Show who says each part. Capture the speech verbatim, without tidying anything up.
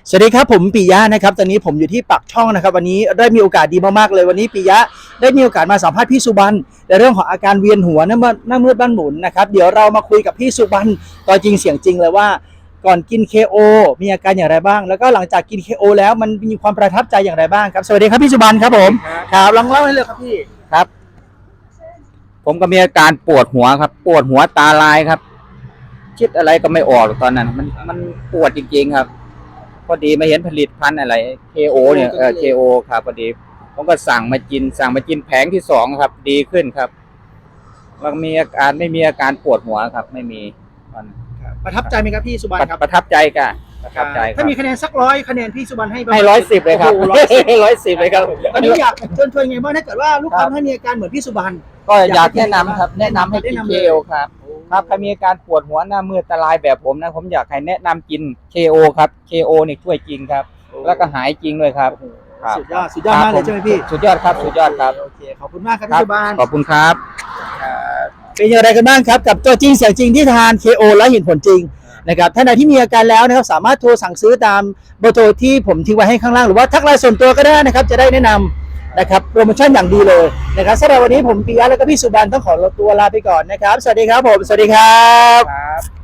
Speaker 1: สวัสดีครับผมปิยะนะครับตอนนี้ผมอยู่ที่ปักช่องนะครับวันนี้ได้มีโอกาสดีมากๆเลยวันนี้ปิยะได้มีโอกาสมาสัมภาษณ์พี่สุบรรณในเรื่องของอาการเวียนหัวหน้ามืดหน้ามืดบ้านหมุนนะครับเดี๋ยวเรามาคุยกับพี่สุบรรณตัวจริงเสียงจริงเลยว่าก่อนกิน เค โอ มีอาการอย่างไรบ้างแล้วก็หลังจากกิน เค โอ แล้วมันมีความประทับใจอย่างไรบ้างครับสวัสดีครับพี่สุบรรณครับผมครับลองเล่าให้เลยครับพี่
Speaker 2: ครับผมก็มีอาการปวดหัวครับปวดหัวตาลายครับคิดอะไรก็ไม่ออกตอนนั้นมันมันปวดจริงๆครับพอดีมาเห็นผลิตภัณฑ์อะไร เค โอ เนี่ยเออ เค โอ ครับพอดีผมก็สั่งมากินสั่งมากินแผงที่สองครับดีขึ้นครับแล้วมีอาการไม่มีอาการปวดหัวครับไม่มีมัน
Speaker 1: ประทับใจไหมครับพี่สุบรรณครับ
Speaker 2: ประทับใจกันประทับใจ
Speaker 1: ถ้ามีคะแนนสักร้อยคะแนนพี่สุบรรณให้
Speaker 2: ให้ร้อยสิบเลยครับร้อยสิบเลยครับ
Speaker 1: ตอนนี้อยากเชิญชวนไงบ้างถ้าเกิดว่าลูกค้าให้มีอาการเหมือนพี่สุบรรณ
Speaker 2: ก็อยากแนะนำครับแนะนำให้กิน เค โอ ครับครับใครมีอาการปวดหัวหน้ามืดตาลายแบบผมนะผมอยากให้แนะนำกิน เค โอ ครับ เค โอ นี่ช่วยจริงครับแล้วก็หายจริงด้วยครับ
Speaker 1: สุดยอดสุดยอดมากเลยใช่ไหมพี่
Speaker 2: สุดยอดครับสุดยอดครับ
Speaker 1: โอเคขอบคุณมากครับพี่สุบรรณ
Speaker 2: ขอบคุณครับ
Speaker 1: เป็นอย่างไรกันบ้างครับกับตัวจริงเสียงจริงที่ทาน เค โอ และเห็นผลจริงนะครับท่านใดที่มีอาการแล้วนะครับสามารถโทรสั่งซื้อตามเบอร์โทรที่ผมทิ้งไว้ให้ข้างล่างหรือว่าทักไลน์ส่วนตัวก็ได้นะครับจะได้แนะนำนะครับโปรโมชั่นอย่างดีเลยนะครับสำหรับวันนี้ผมปิยะแล้วก็พี่สุบรรณต้องขอตัวลาไปก่อนนะครับสวัสดีครับผมสวัสดีครับ